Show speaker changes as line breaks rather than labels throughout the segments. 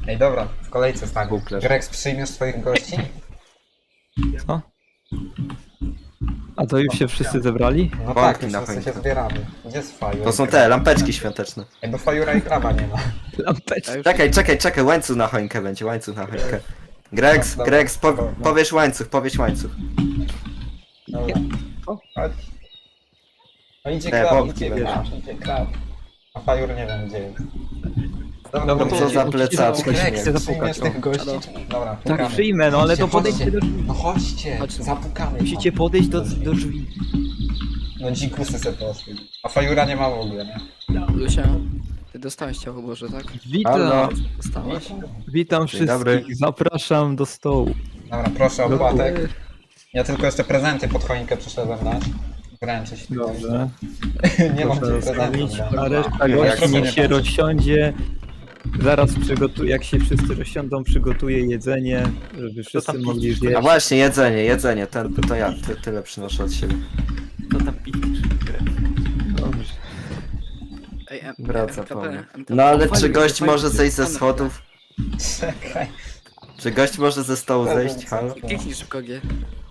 Ej, dobra, w kolejce stanie.
Buklerz.
Grex, przyjmiesz swoich gości?
Co? A to już się wszyscy zebrali?
No
Wątki
tak, już
na
wszyscy się
choinkę.
zbieramy. Gdzie jest Fajur?
To są te lampeczki świąteczne.
Ej, bo Fajura i Kraba nie ma.
Lampeczki.
Czekaj, łańcuch na choinkę będzie, łańcuch na choinkę. Grex,
No,
Grex,
dobra, no.
powiesz łańcuch.
Dobra.
O.
Chodź. No idzie
Te
Krab,
wątki
idzie
będą.
Krab, idzie Krab. A Fajur nie wiem gdzie jest.
Dobra,
no
to
Co za
musicie
plecaczki.
zapukać,
Grex,
chcę
przyjmiesz
zapukać.
tych gości? Dobra,
Tak,
pukamy.
przyjmę, no ale to
Chodźcie,
podejdźcie do drzwi.
No chodźcie,
Chodź.
zapukamy.
Musicie podejść do drzwi.
No dzikusy se poszły. A Fajura nie ma w ogóle, nie?
Lucia, ty dostałeś ciało Boże, tak?
Halo.
Witam,
Dostałaś?
witam
Dzień dobry.
wszystkich, zapraszam do stołu.
Dobra, proszę o
Do
płatek. Ja tylko jeszcze prezenty pod choinkę przyszedłem dać. Wręczyć.
Dobrze.
Nie mam
Proszę
tych prezentów.
rozstawić,
no.
a reszta
Jak
gości
sobie
niech się
patrzę.
rozsiądzie. Zaraz jak się wszyscy rozsiądą, przygotuję jedzenie, żeby wszyscy mogli
A
zjeść.
właśnie, jedzenie, to ja tyle przynoszę od siebie.
Co tam piszesz?
Dobrze.
Ej,
Wraca
MKP,
po mnie.
MKP.
No ale
O,
czy
fajnie,
gość
fajnie.
może zejść ze
Tam,
schodów?
Czekaj.
Czy gość może ze stołu zejść? Halo?
Kliknij szybko G.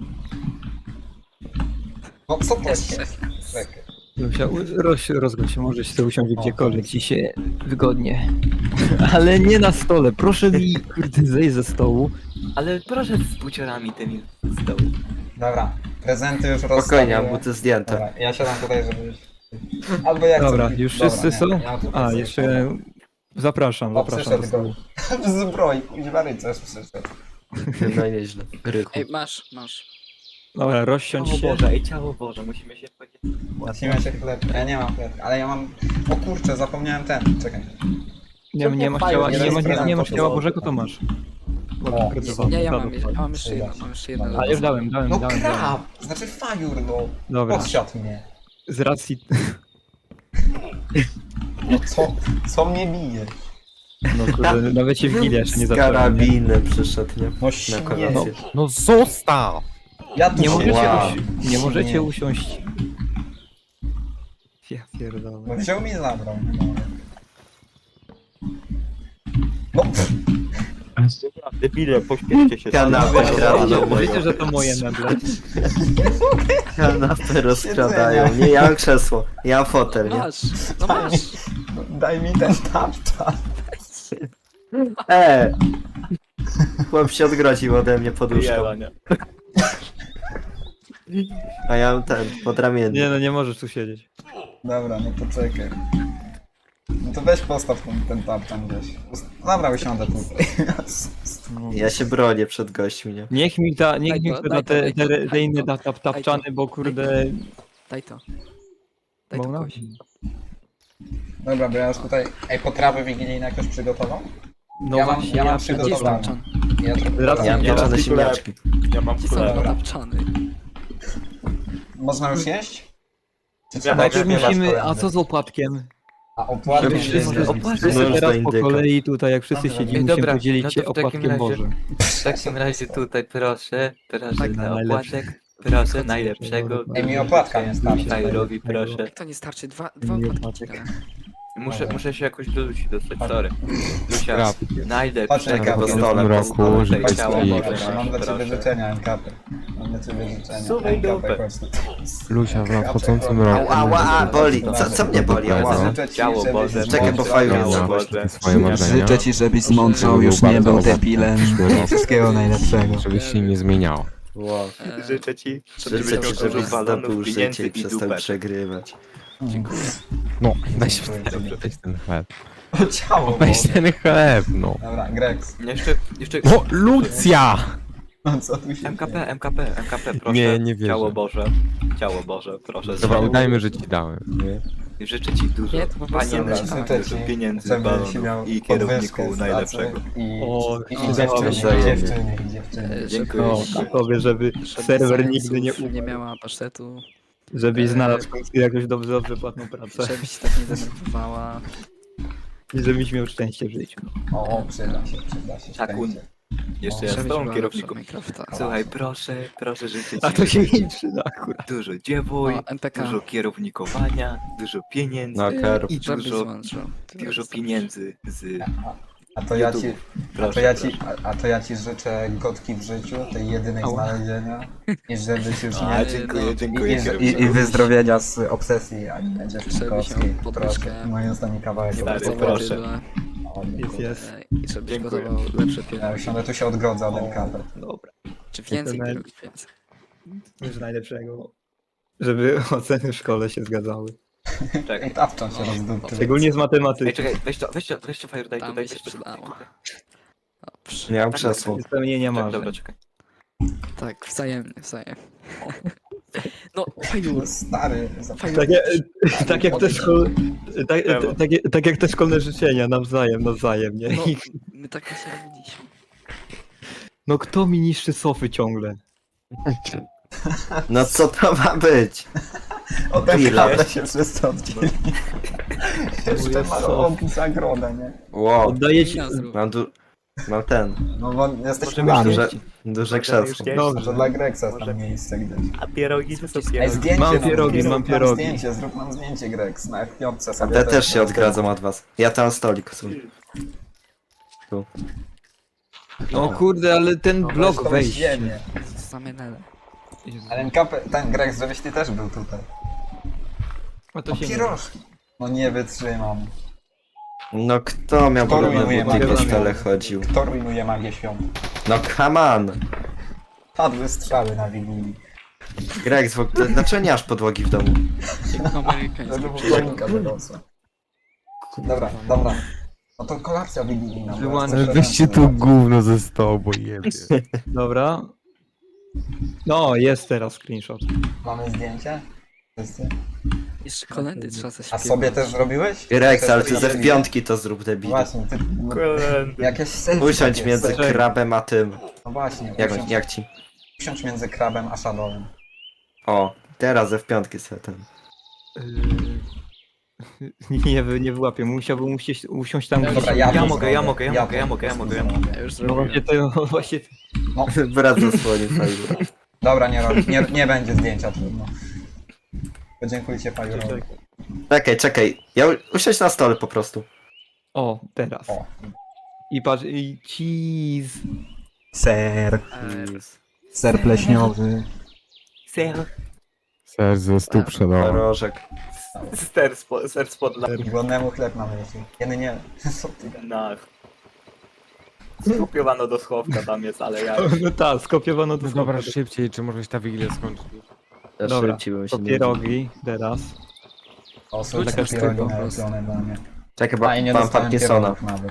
No co to jest? Czekaj.
Lucia, rozgość się, możesz sobie usiąść gdziekolwiek ci się wygodnie. Ale nie na stole, proszę mi kurde zejść ze stołu.
Ale proszę z buciorami tymi z dołu.
Dobra, prezenty już
Spokojnie,
rozstawiłem.
mam buty zdjęte.
Dobra, ja siadam tutaj, żeby... Albo jak
Dobra,
chcę.
już
Dobra,
wszyscy
nie,
są?
ja tutaj
A,
sobie
jeszcze zapraszam do
przyszedł
stołu.
W zbroi, kuźwa rycerz przyszedł.
No nieźle. Rychu.
Ej, masz.
Dobra, rozsiądź
Ciało
się.
Boże, ej ciało Boże, musimy się wchodzić.
Zacznijmy się chleb. Ja nie mam chleb, ale ja mam... O kurczę, zapomniałem ten. Czekaj.
Nie masz ciała, nie masz ciała
to
Bożego, to masz.
O,
Ja mam jeszcze jedno, mam jeszcze jedno.
A już dałem.
No krab! Znaczy Fajur, no.
Dobra,
Podsiadł mnie.
z racji...
No co mnie bije?
No kurde, nawet się w gilę jeszcze nie
Z
zacząłem. nie?
karabinem przyszedł, nie?
No
Na
śmiech.
kolację.
No zostaw!
Ja tu
Nie możecie,
Wow.
nie możecie
Nie.
usiąść. Ja pierdolę.
No wziął mi i zabrał. No pff,
Debile, pośpieszcie się.
Kanapę kradną.
Wiecie, że to moje meble.
Kanapę rozkradają. Nie, ja mam krzesło. Ja mam fotel, nie?
Masz, no masz.
daj mi ten tapczan.
Chłop się odgrodził ode mnie poduszką. A ja mam ten, podramienny.
Nie no, nie możesz tu siedzieć.
Dobra, no to czekaj. No to weź postaw ten tapczan gdzieś. Dobra, usiądę tutaj.
Ja się bronię przed gośćmi, nie?
Niech mi da
Daj
te inne
to.
tapczany, bo kurde...
Daj to. Daj
Bo
to
no.
kogoś.
Dobra, bo ja już tutaj... Ej, potrawy wigilijne jakoś przygotował?
No
Ja mam-
właśnie,
ja mam
Gdzie jest
przygotowane.
tapczan?
Ja trochę...
Raz-
Ja mam
Ja
pieczone
mam
ziemniaczki.
Ja mam
Gdzie są
Dobra.
tapczany?
Można już jeść? Czy
Ja
trzeba
Najpierw
śpiewać
musimy...
kolędy?
A co z opłatkiem?
A opłaty
Żeby
się
wszyscy-
nie-
Wszyscy
No już
teraz
do
po
indyka.
kolei tutaj, jak wszyscy
Dobra.
siedzimy,
Ej,
musimy
dobra,
podzielić
no to
się
w takim
opłatkiem
razie-
Bożym.
W takim razie tutaj proszę
Tak,
na
najlepszy.
opłatek, proszę najlepszego.
Ej, mi opłatka nie starczy.
Tajurowi proszę.
Jak to nie starczy? Dwa
Nie
opłatki.
patrzę.
dałem.
Muszę się jakoś do Lusi dostać, sorry. Lucia,
Krab.
najlepszego
Patrz,
po stole,
kierownika
po
roku,
tutaj
żeby
ciało
i-
Boże,
Mam dla ciebie
proszę.
życzenia, NKP. Mam dla ciebie życzenia.
Suwaj
NKP,
dupę.
chodź tu.
Lucia w nadchodzącym roku.
Ała, boli. Co mnie boli?
Ała,
Ała.
życzę ci,
Ciało
żebyś
Boże,
Czekaj, bo
zmądrzał.
fajnie
ciało
jest.
Boże.
Swoje marzenia.
Życzę ci, żebyś zmądrzał, już nie był debilem. Wszystkiego najlepszego.
Żebyś się nie zmieniał.
Wow.
Życzę ci,
Życzę ci,
żebyś
żebyś
balonów,
zdobył
pieniędzy
życie i
i
przestał
dupę.
przegrywać.
Dziękuję.
No, weź
Dobrze.
ten chleb.
O, ciało
Weź
Boże.
ten chleb, no.
Dobra, Grex.
Jeszcze
O, Lucja!
No co tu się
MKP, proszę.
Nie wierzę.
Ciało Boże, proszę.
Dobra, udajmy, że ci dałem.
Życzę ci dużo
Nie, to po prostu
panienki,
życzę
dużo
ci,
pieniędzy,
żebyś
balonów
miał
i
podwyżkę
kierowniku
z pracy
najlepszego.
O,
I
dobrze,
dziewczyny.
Dziękuję.
No, a tobie, żeby serwer nigdy nie
nie
umarł.
miała pasztetu,
Żebyś znalazł w końcu jakąś dobrze płatną pracę.
żeby się tak nie denerwowała.
I żebyś miał szczęście w życiu.
O, przyda się.
Takun.
szczęście.
Jeszcze ja z
Żebyś
tobą
była
kierowniku.
lepsza od Minecrafta.
Słuchaj, proszę życzę ci
A to się nie przyda akurat.
dużo dziewuj,
O, MPK.
dużo kierownikowania, dużo pieniędzy
Na kerb.
I żebyś
dużo-
złączył.
dużo pieniędzy z
A to ja ci... A to ja ci życzę gotki w życiu, tej jedynej
Ała.
znalezienia. I żebyś już
A,
nie...
dziękuję.
I wyzdrowienia z obsesji anime dziewczynkowskiej.
się podwyżkę.
Proszę, moim zdaniem kawałek.
Stary,
obsesji.
proszę.
O,
Jest,
dziękuję.
jest.
I żebyś
Dziękuję.
gotował lepsze
Ja
pierogi.
usiądę, tu się odgrodzę od MKP.
Dobra.
Czy więcej
Jestem-
pierogów, więcej.
Już najlepszego. Żeby oceny w szkole się zgadzały.
I
Czekaj.
tapczą się rozdupczy.
Szczególnie z matematyki.
Ej, czekaj, weź to Fire, daj
Tam
tutaj,
mi się
weź to.
przydało. Dobrze.
Miał
Tak,
krzesło.
Spełnienia
Czekaj,
marzeń.
dobra, czekaj.
Tak, wzajemnie. No, fajnie.
Stary,
Tak, tak jak te szkolne, tak jak te szkolne życzenia, nawzajem, nie?
No,
I-
my tak się robiliśmy.
No kto mi niszczy sofy ciągle?
No co to ma być?
od MKP się wszyscy oddzieli. Jeszcze
jest
ma
sof.
robić zagrodę, nie?
Wow,
Oddaję ci...
Ja zrób.
mam ten,
No bo jesteś
Możemy
mamy.
duże krzesło.
To dla Greksa jest tam miejsce gdzieś.
A pierogi to są
Ej,
pierogi.
zdjęcie
Mam
nam
pierogi,
zrób
mam
nam
pierogi.
Zdjęcie, zrób nam zdjęcie, Greks, na F5
A
sobie.
te też się odgradzą od was. Ja tam stolik sobie. Tu.
O kurde, ale ten
No, weź
blok
tą
wejść.
ziemię.
Same nele.
Ale MKP, ten Greks, żebyś ty też był tutaj.
A to
O,
się nie...
pierożki. No nie wytrzymam.
No kto miał
Kto
podobne
rujnuje
buty,
magię
w szkole
świąt?
chodził?
Kto rujnuje magię świąt?
No come on!
Padły strzały na Wigilii.
Greg, dlaczego nie masz podłogi w domu?
Amerykański.
Żeby choinka wyrosła. Dobra. No to kolacja wigilijna. bo
Wyłącz-
ja chcę
Weźcie
prezenty
tu gówno ze stołu, bo jebie.
Dobra. No, jest teraz screenshot.
Mamy zdjęcie? Wszyscy?
Jeszcze kolendy trzeba
A
zaśpiewać.
sobie też zrobiłeś?
Rex, ale ty
Też
ze
sobie-
piątki to zrób debil.
Właśnie, ty... Jakieś selfie
Usiądź
takie,
między
selfie.
krabem a tym.
No właśnie,
Jak ci?
usiądź między krabem a shadowem.
O, teraz ze w piątki sobie ten.
Nie wyłapię, musiałbym usiąść tam,
Dobra,
gdzie...
ja
Ja
to
mogę,
zrobię.
ja mogę, ja
Ja
mogę,
to
ja mogę, ja
po
mogę,
prostu
ja mogę.
zrobię.
Ja już
No właśnie
zrobiłem.
to, właśnie...
Brat zasłonił fajnie.
Dobra, nie będzie zdjęcia, trudno. Podziękujcie Fajurowi.
Czekaj. Usiądź na stole po prostu.
O, teraz.
O.
I patrz, i cheese.
Ser. Ser pleśniowy.
Ser ze stóp przedał.
Rożek.
Ser spod
Głodnemu chleb na myśli. Kiedy nie. Co ty gadasz?
latach. Skupiowano do schowka tam jest, ale ja...
No tak, skopiowano to
No dobra, szybciej, czy może się ta wigilia skończyć?
Dobra,
Szybciej bym się
to
nie
pierogi teraz.
O, są
Taka
takie pierogi
sztuka.
nalepione dla mnie.
Czekaj,
A i nie
mam
dostałem
Parkinsona.
pierogów nawet.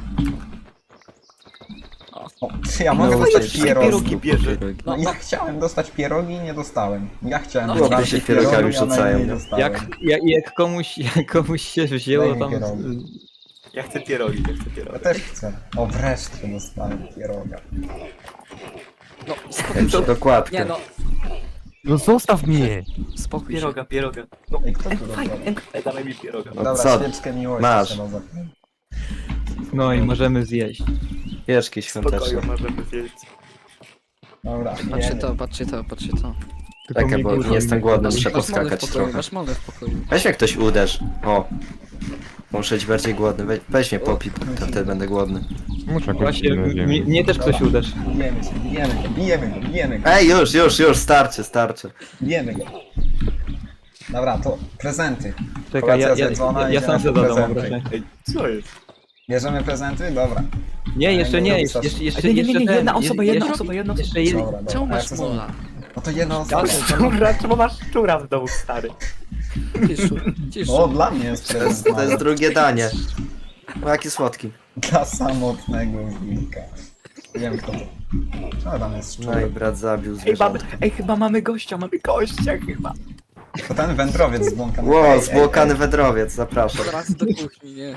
O, czy ja mogę
No,
dostać
przecież
pierogi?
pierogi bierze.
No ja chciałem dostać pierogi i nie dostałem. Ja chciałem
No,
dostać
się pierogami
pierogi, a
rzucają.
nie dostałem.
Jak komuś się wzięło
Daj mi
tam...
pierogi.
Ja chcę pierogi, ja chcę
Ja
pierogi.
też chcę. O, wreszcie dostałem pieroga.
No, spokój się.
Dokładnie.
Nie no,
No zostaw mnie!
spokój się.
Pieroga. No,
Ej, kto tu robi?
dawaj mi pieroga.
No
Dobra,
co?
świeczkę miłości
Masz.
trzeba zapalić.
No i możemy zjeść.
Pieczki
Spokoju,
świąteczne.
możemy zjeść.
Dobra,
Patrzcie
jemy.
to, patrzcie to, patrzcie to.
Tylko
Czekaj,
mi
bo
dużo
nie jestem głodny,
mi-
muszę
Masz molę w
poskakać
pokoju,
trochę.
masz molę w pokoju.
Weź mnie ktoś uderz. O. Muszę być bardziej głodny. Weź mnie popij, to wtedy będę głodny.
Muszę jakoś
Właśnie,
na ziemi.
mnie też ktoś uderzy.
Bijemy się, bijemy go.
Ej, już, starczy.
Bijemy go. Dobra, to prezenty.
Czekaj,
Kolacja
ja
zjedzona,
sam
idziemy
sobie
po
zadam
prezenty.
obrażenie.
Ej, co jest?
Bierzemy prezenty? Dobra.
Nie, jeszcze nie,
Nie,
jeszcze
nie,
ten,
jedna osoba,
jeszcze jeden.
Dobra,
Czemu
dobra.
masz mola?
No to jedna osoba.
Szczura, czemu masz szczura w domu, stary?
Ciszu.
O, dla mnie jest
To jest
prezent.
drugie danie. O, jaki słodki.
Dla samotnego wilka. Wiem kto to. Co tam jest
No i
szczur?
brat zabił
Ej,
zwierzątko.
chyba mamy gościa chyba.
To ten wędrowiec z błąkanym.
Ło, zbłokany wędrowiec, zapraszam.
Teraz do kuchni, nie.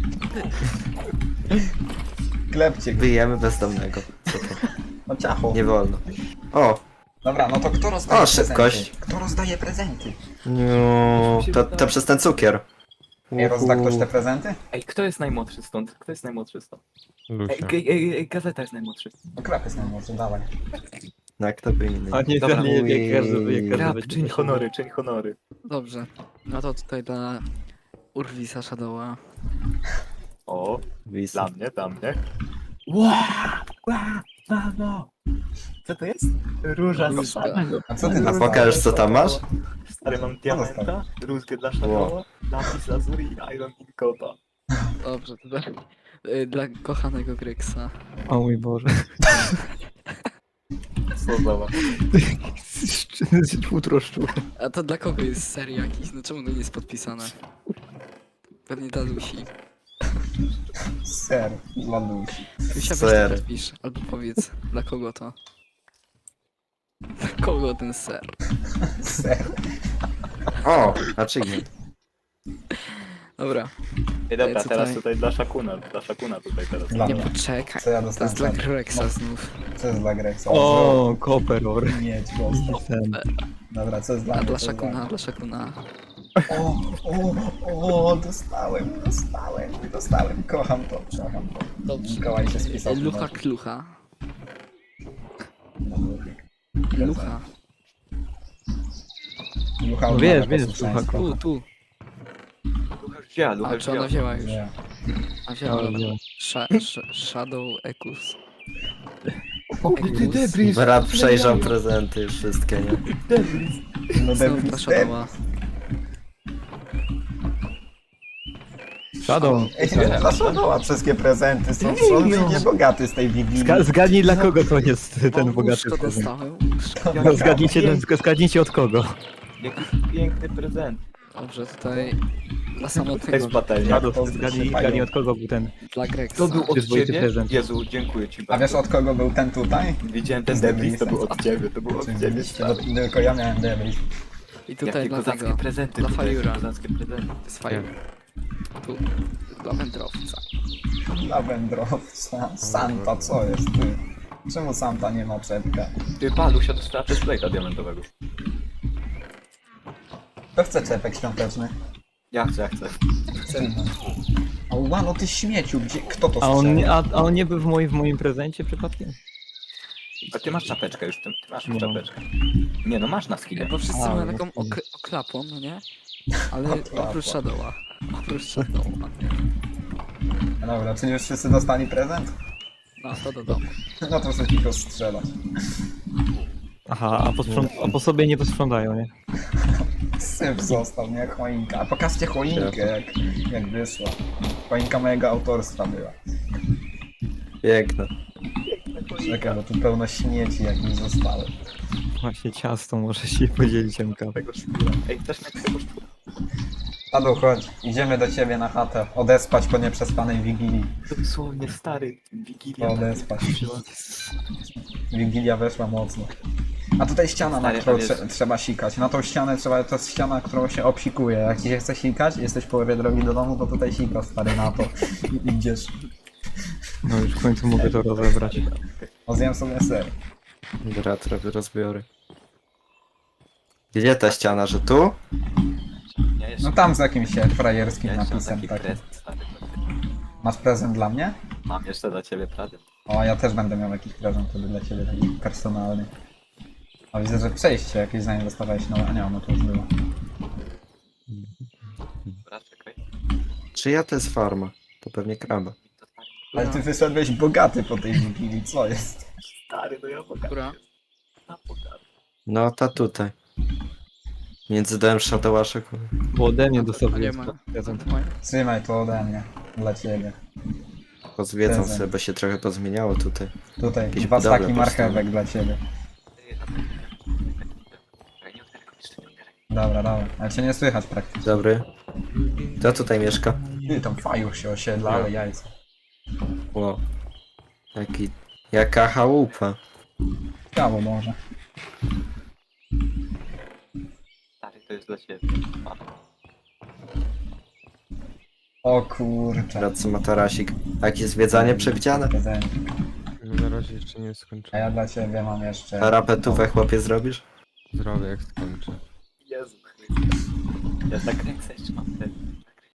Klepcie go.
Wyjemy bezdomnego. Co to?
No ciacho.
Nie wolno. O,
Dobra, no to kto rozdaje
O, szybkość.
prezenty? Kto rozdaje prezenty?
no, to przez ten cukier.
Nie rozda ktoś te prezenty?
Ej, kto jest najmłodszy stąd? Kto jest najmłodszy stąd?
Lucia.
Gazeta jest najmłodszy.
No klep jest najmłodszy, dawaj.
No, kto by inny.
A nie,
Dobra,
jak
Rap,
każdy
czyń honory, czyń honory.
Dobrze. No to tutaj dla Urwisa Shadowa.
O,
Wis.
dla mnie.
Mamo! Co to jest? Róża z
Różka.
A co ty na
Pokażesz co tam masz?
Stary, mam diamenta, rózgę dla
Wow.
Shadowa, lapis lazuli i Iron Inkota.
Dobrze, to dla kochanego Greksa.
O mój Boże.
Co za
Futro szczur.
A to dla kogo jest ser jakiś? No czemu to nie jest podpisane? Pewnie dla Lusi.
Ser dla Lusi.
Lusia, weź
Ser.
to podpisz. Albo powiedz, dla kogo to? Dla kogo ten ser?
Ser.
O, achievement.
Dobra,
Ej, dobra,
Co
teraz
tutaj?
tutaj dla Shakuna tutaj teraz.
Dla
nie
mnie.
poczekaj.
Co ja
To jest
dostałem?
dla Greksa znów.
Co jest dla Grexa?
O, Koperor.
Mieć go.
Ten.
Dobra, co jest dla
A
mnie?
dla
co jest
Shakuna,
mnie?
dla Shakuna.
O, dostałem. Kocham to.
Dobrze.
Mikołaj się spisał.
Lucha Klucha. Lucha.
Lucha
No wiesz,
odmawia
wiesz,
posłuszeństwa.
Tu.
Lucha już wzięła, Lucha
A
już
czy ona
wzięła.
wzięła już?
Nie.
A wzięła, dobra.
wzięła.
Shadow Ekus.
Ty debris!
Brat przejrzał prezenty już wszystkie, nie?
No
Znowu
debil,
dla Shadowa.
Shadow.
Ej, dla Shadowa wszystkie prezenty są niebogaty z tej Wigilii.
Zgadnij dla kogo to jest ten
O,
bogaty
łóżko
prezent.
dostałem.
No, zgadnijcie od kogo.
Jaki piękny prezent.
Dobrze, tutaj dla
To
samotnego,
jest patelnia.
Shadow, zgadnij od kogo był ten.
dla Greksa.
To był od
Przyzwoity
ciebie?
prezent.
Jezu, dziękuję ci
A
bardzo.
wiesz od kogo był ten tutaj?
Widziałem ten
Debris.
debris, to był od ciebie, to był od ciebie.
Oczywiście, bo tylko ja miałem debris.
I tutaj
Jakie
dla
kozackie
tego,
prezenty
dla
tutaj,
Fajura.
kozackie prezenty.
to jest fajne. Tu, dla wędrowca.
Dla wędrowca. Santa, co jest ty? Czemu Santa nie ma czepka?
Ty, pa, Lusia dostała chestplate'a diamentowego.
Kto chce czepek świąteczny?
Ja chcę.
O, łano, ty śmieciu, gdzie? Kto to
A on,
strzelił?
a on nie był w moim prezencie przypadkiem?
A ty masz czapeczkę już, ty masz już
Nie mam.
czapeczkę. Nie no, masz na skille.
Bo wszyscy
A,
mają
no
taką
to nie.
oklapą, no nie? Ale
Oklapą.
oprócz Shadowa. Oprócz Shadowa.
Dobra, czy już wszyscy dostali prezent?
No to do domu.
No to sobie tylko strzelać.
Aha, a po sobie nie posprzątają, nie?
Syp został, nie? Jak choinka. A pokażcie choinkę, jak wyszła. Choinka mojego autorstwa była.
Piękne.
Czekaj, bo tu pełno śmieci jakieś zostały.
Właśnie ciasto, może się podzielić MK.
Ej, też na tego szczura.
Tadu, chodź, idziemy do ciebie na chatę. Odespać po nieprzespanej Wigilii.
Dosłownie stary, Wigilia.
Odespać. Wigilia weszła mocno. A tutaj ściana, na
Stary,
którą
tam jest-
trzeba sikać. Na tą ścianę trzeba, to jest ściana, którą się obsikuje. Jak ci się chce sikać, jesteś w połowie drogi do domu, to tutaj sikasz, stary, na to. I idziesz.
No już w końcu mogę to rozebrać.
O, zjem sobie ser.
Brat robi rozbiory. Gdzie ta ściana, że tu?
Ja jeszcze,
No tam z jakimś frajerskim
ja jeszcze mam
napisem
taki
takim.
prezent, stary.
Masz prezent dla mnie?
Mam jeszcze dla ciebie prezent.
O, ja też będę miał jakiś prezent wtedy dla ciebie, taki personalny. A widzę, że przejście jakieś zanim dostawałeś, no a nie, no to już było.
Dobra, czekaj.
Czyja to jest farma? To pewnie kraba.
Ale ty wyszedłeś bogaty po tej Wigilii, co jest?
Stary, no ja pokażę.
Która?
Ja pokażę.
No ta tutaj. Między dołem Shadowaszek.
Bo ode mnie dostał
A nie ma.
prezent.
Trzymaj to ode mnie, dla ciebie.
Pozwiedzą
Prezent.
sobie, bo się trochę pozmieniało tutaj.
Tutaj,
Jakieś
dwa
budowle
staki marchewek dla ciebie.
Czekaj, nie otwieraj go, jeszcze nie otwieraj.
Dobra, dobra, ale cię nie słychać praktycznie.
Dobry. Kto tutaj mieszka?
Ty, tam fajuch się osiedla, ale jajca.
Ło. Jaka chałupa.
Ciało może.
Stary, to jest dla ciebie. Mam.
O kurczę.
Radcy ma tarasik. A jakieś zwiedzanie przewidziane?
Prezent.
No na razie jeszcze nie
A
skończyłem.
ja dla ciebie mam jeszcze...
Parapetówę chłopie zrobisz?
Zrobię jak skończę.
Jezu Chryste. Ja tak ręce jeszcze mam ten.